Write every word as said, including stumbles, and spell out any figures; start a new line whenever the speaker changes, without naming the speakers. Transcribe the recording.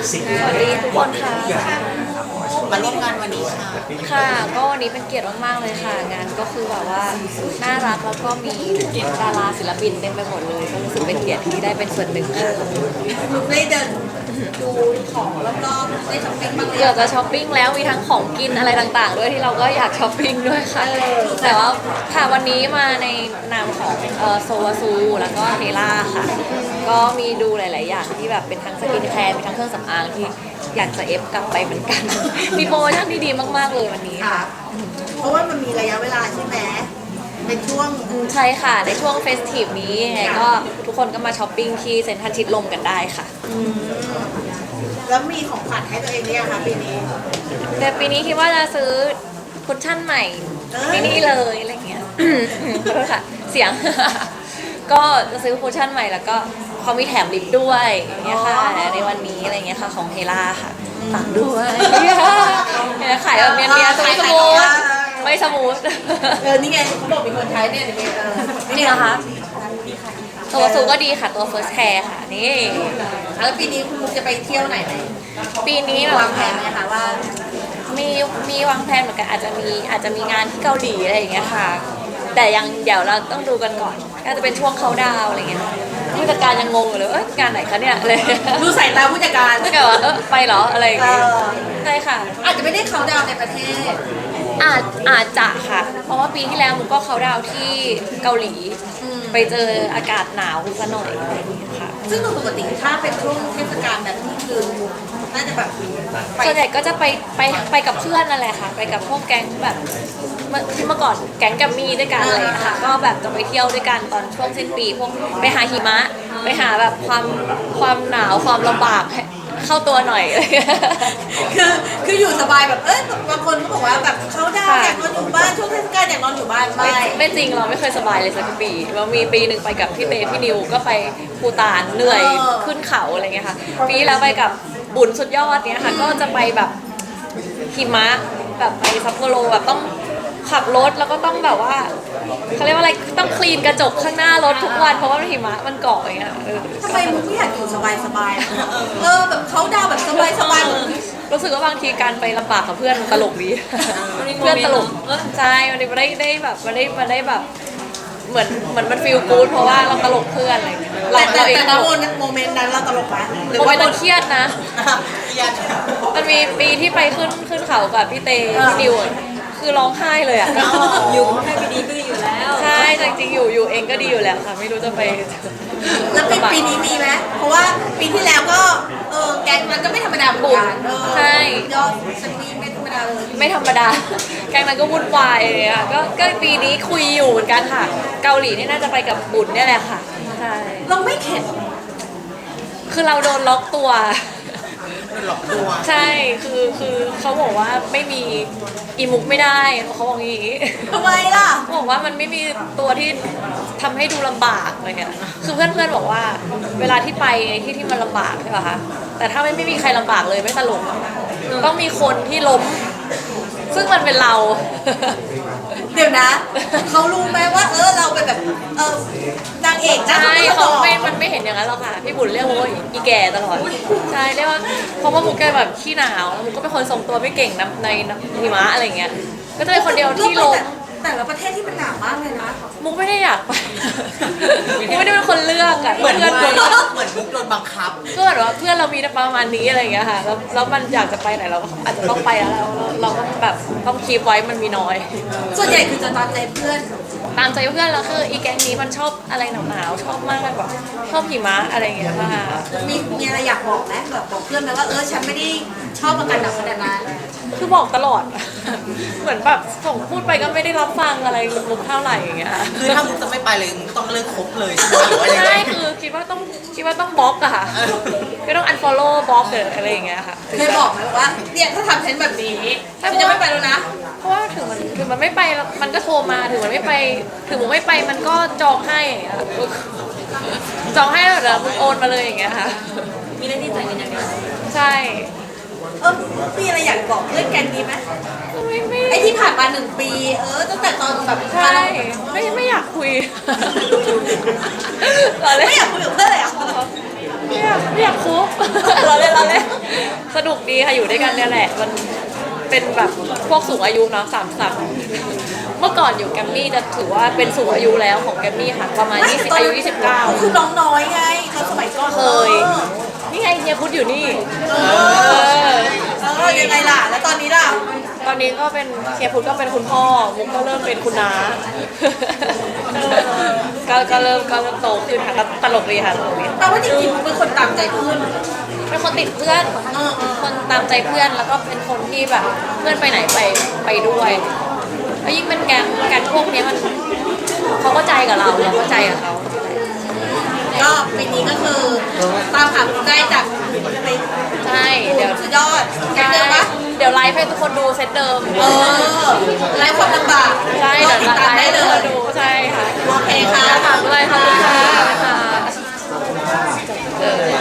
สิ่ง
สวัสดีทุกคนค่ะ
มาร่วมงานวันนี้ค่ะ
ค่ะก็วันนี้เป็นเกียรติมากๆเลยค่ะงานก็คือแบบว่าน่ารักแล้วก็มีดาราศิลปินเต็มไปหมดเลยก็รู้สึกเป็นเกียรติที่ได้เป็นส่วนหนึ่งค่ะ
ได้เดินดูของรอบๆได้ช้อปปิ้งบ้างไหม
เกือบจะช้อปปิ้งแล้วมีทั้งของกินอะไรต่างๆ ด้วยที่เราก็อยากช้อปปิ้งด้วยค่ะแต่ว่าค่ะวันนี้มาในนามของเอ่อโซวาซูแล้วก็เฮล่าค่ะก็มีดูหลายๆอย่างที่แบบเป็นทั้งสกินแคร์มีทั้งเครื่องสำอางที่อยากจะเอฟกลับไปเหมือนกัน มีโปรโมชั่นที่ดีมากๆเลยวันนี้
ค่ะ
ค่ะ
เพราะว่ามันมีระยะเวลาใช่ไหมเป็นช่วง
ใช่ค่ะในช่วงเฟสทีฟนี้ยังไงก็ทุกคนก็มาช้อปปิ้งที่เซ็นทรัลชิดลมกันได้ค่ะ
แล้วมีของขวัญให้ตัวเองหรือยังคะปีนี้
แต่ปีนี้คิดว่าจะซื้อคุชชั่นใหม่
เอ้ย
ปีนี้เลยอะไรเงี้ย ขอโทษค่ะเสียง ก็จะซื้อคุชชั่นใหม่แล้วก็เขามีแถมลิปด้วยอย่างเงี้ยค่ะในวันนี้อะไรเงี้ยค่ะของเฮล่าค่ะฝากด้วยเนี่ยขายแบบเนียนๆสมูทสมูทไม่สมูท
เออนี่ไงเขาบอกมีคนใช้เนี่ยเดี๋ยวมีเออ
นี่เหรอคะตัวสูก็ดีค่ะตัว first care ค่ะนี่
แล้วปีนี้คุณมุกจะไปเที่ยวไหนไหม
ปีนี้เหรอ
วางแผ
คะ
นไหมคะว่า
มีมีวางแผนเหมือนกันอาจจะมีอาจจะมีงานที่เกาหลีอะไรอย่างเงี้ยค่ะ แต่ยังเดี๋ยวเราต้องดูกันก่อนอาจจะเป็นช่วงเขาดาวน์อะไรเงี้ยผู้จัดการยังงงอยู่เลยเอ้ยงานไหนคะเนี่ยเลย
ดูสายตาผู้จัดการ
ถ้าเกิดว่าเออไปเหรออะไรอย่าง
เอ
เงี้ย
อ
ใช่ค่ะ
อาจจะไม่ได้เขาดาวน์ในประเทศ
อาจอาจจะค่ะ เพราะว่าปีที่แล้วมุกก็เขาดาวน์ที่เกาหลี
อืม
ไปเจออากาศหนาวซะหน่อยอะไรอย่างเงี้ยค่ะ
ซึ่งโดยปกติถ้าเป็นช่วงเทศกาลแบบนี้คือน่าจะแบบไป
ส่วนใหญ่ก็จะไปไปไปกับเพื่อนนั่นแหละค่ะ ไปกับพวกแก๊งแบบเมื่อที่เมื่อก่อนแก๊งกัมมี่ด้วยกันอะไรอย่างเลยค่ะ ก็แบบจะไปเที่ยวด้วยกันตอนช่วงสิ้นปีพวกไปหาหิมะ ไปหาแบบความความหนาวความลำบากให้เข้าตัวหน่อย
คือคืออยู่สบายแบบเอ้ยบางคนก็บอกว่าแบบเขาดาวน์อยากนอนอยู่บ้านช่วงเทศกาลอยากนอนอยู่บ้านไม่
ไม่ไม่จริงเราไม่เคยสบายเลยสักปีเรามีปีหนึ่งไปกับพี่เตพี่นิวก็ไปภูตานเหนื่อยขึ้นเขาอะไรเงี้ยค่ะปีแล้วไปกับบุญสุดยอดเนี้ยค่ะก็จะไปแบบหิมะแบบไปซัปโปโรแบบต้องขับรถแล้วก็ต้องแบบว่าเขาเรียกว่าอะไรต้องคลีนกระจกข้างหน้ารถทุกวันเพราะว่าหิมะมันเกาะอย่างเงี้ยเออ
ทำไมมึงไม่อยากอยู่สบายสบายๆอะเออแบบเขาดาวน์แบบสบายสบายๆเหมือน
รู้สึกว่าบางทีการไปลำบากกับเพื่อนมันตลกดี เพื่อนตลกใช่มันได้ได้แบบมันได้มันได้แบบเหมือนเหมือนมันฟีลกู๊ดเพราะว่าเราตลกเพื่อนอะไรอย่างเงี้ยเรา
แต่แต่
เราเอง
แต่
ต
ณ
ล
โม
ก
เมนต์โมเมนต์นั้นเราตลกไหมหรือ
โมเม
ว่าน
ต์นั้นเครียดนะ
เครียด
มันมีปีที่ไปขึ้นขึ้นเขากับพี่เตพี่นิวอะคือร้องไห้เลยอ่ะ
อยู่ให้ไปดีก็ดีอยู่แล้ว
ใช่แต่จริงๆอยู่อยู่เองก็ดีอยู่แล้วค่ะ ไม่รู้จะไป
แล้วปีปีนี้มีไหมเพราะว่าปีที่แล้วก็เออแก๊งมันก็ไม่ธรรมดาเหมือนกันเออ
ใช่
ยอดสตรีมไม่ธรรมดาเลย
ไม่ธรรมดา แกงนั้นก็วุ่นวายเลยค่ะก็ก็ปีนี้คุยอยู่เหมือนกันค่ะ เกาหลีนี่น่าจะไปกับบุญเนี่ยแหละค่ะใช่
เราไม่เข็ด
คือเราโดนล็อกตัว
หลอกตัว
ใช่ คือ คือเขาบอกว่าไม่มีอีมุกไม่ได้เขาบอกอย่างนี้
ทำไมล่ะ
เขาบอกว่ามันไม่มีตัวที่ทำให้ดูลำบากเลยเนี่ย คือเพื่อนๆบอกว่า เวลาที่ไปในที่ที่มันลำบากใช่ป่ะคะ แต่ถ้าไม่ไม่มีใครลำบากเลยไม่ตลกอะต้องมีคนที่ล้ม ซึ่งมันเป็นเรา
เดี๋ยวนะ เขารู้ไหมว่าเออเราเป็นแบบเออนางเอกนะ
ใช่
เขา
เขา
ไม่
ไม่ มันไม่เห็นอย่างนั้นหรอกค่ะ พี่บุญเรียกว่าอีแก่ตลอด ใช่ เรียกว่า เพราะว่ามุกแกแบบขี้หนาวแล้วมุกก็เป็นคนทรงตัวไม่เก่งนะในน้ำหิมะอะไรเงี้ย ก็จะเป็นคนเดียวที่ล้ม
แต่ละประเทศที่มันหนาวมากเลยนะ
มุกไม่ได้อยากไป มุกไม่ได้เป็นคนเลือกอะ
เหมือน
เพื่อน
เหมือน
เพื่อน
เหมือนมุกโดนบังคับ
ก็แบบว่าเพื่อนเรามีประมาณนี้อะไรเงี้ยค่ะ แล้วแล้วมันอยากจะไปไหนเราก็อาจจะต้องไปแล้วเราเราก็แบบต้องคีบไว้มันมีน้อย
ส่วนใหญ่คือจะตามใจเพื่อน
ตามใจเพื่อนแล้วคืออีแก๊งนี้มันชอบอะไรหนาวๆชอบมากแบบชอบหิมะอะไรอย่างเงี้ยค่ะ
มีมีอะไรอยากบอกไหมแบบบอกเพื่อนไหมว่าเออฉันไม่ได้ชอบอาการหนาวขนาดนั้น
คือบอกตลอด เหมือนแบบส่งพูดไปก็ไม่ได้รับฟังอะไรมุกเท่าไหร่อย่างเงี้ย
คือถ้ามุกจะไม่ไปเลยมุกต้องเลิกคบเลยใช่ไหมหรือว่ายังไง
ใช่คือคิดว่าต้องคิดว่าต้องบล็อกอะค่ะก็ต้อง unfollow บล็อกหรืออะไรอย่างเงี้ยค่ะ
เคยบอกไหมว่าเนี่ยถ้าทำฉันแบบนี้ฉันจะไม่ไปแล้วนะ
เพราะว่าถึงมันถึงมันไม่ไปแล้วมันก็โทรมาถึงมันไม่ไป ถึงมุกไม่ไปมันก็จองให้อย่างเงี้ยจองให้แล้วเดี๋ยวมุกโอนมาเลยอย่างเงี้ยค่ะ
มีหน้าที่จ่ายเงินอย่างเดียว
ใช่
เออมีอะไรอยากบอกเพื่อนแกงนี้ไหม
ไม่ไม่
ไอที่ผ่านมาหนึ่งปี เออตั้งแต่ตอนแบบ
ใช่ไม่ไม่อยากคุย ตอนแร
ไม่อยากคุยกับเพื่อนเลยเหรอ่ะ
ไม่อยากากไม่อยากคบ เราเล่นเราเล่นสนุกดีค่ะอยู่ด้วยกันเนี่ยแหละมันเป็นแบบพวกสูงอายุเนาะสามสับเมื่อก่อนอยู่แกรมมี่จะถือว่าเป็นสูงอายุแล้วของแกรมมี่ค่ะประมาณยี่สิบอายุยี่สิบเก้า
คือน้องน้อยไงตอนสมัยก่อน
เคย นี่ไงเฮียพุทธอยู่นี่
เอ
เอ
อ
อ
เออยังไงล่ะ แล้วตอนนี้ล่ะ
ตอนนี้ก็เป็นเฮียพุทธก็เป็นคุณพ่อมุกก็เริ่มเป็นคุณน้า ก็ก็เริ่มก็เริ่มโตขึ้นค่ะก็ตลกดีค่ะตลกดี
แปลว่าจริงๆมึงเป็นคนตามใจเพื่อน
เป็นคนติดเพื่อน
เออเออ
คนตามใจเพื่อนแล้วก็เป็นคนที่แบบเพื่อนไปไหนไปไปด้วยแล้วยิ่งเป็นแก๊งแก๊งพวกเนี้ยมันเขาก็ใจกับเราเราก็ใจกับเขา
ก็ปีนี้ก็คือตามหาคุณได้จากใน
ใช่เดี๋ยว
สุดยอดแค่เดิมปะ
เดี๋ยวไลฟ์ให้ทุกคนดูเซตเดิม
เออไร้ความลำบาก
ใช่
ก็
เดี๋ยว
ติดตาม
ไล
ได้
ฟ์ให้
เล
ทุกค
ย
นดูใช่ค่ะ
โอเคค่ะ
ฝากด้วยขอบคุณค่ะเออ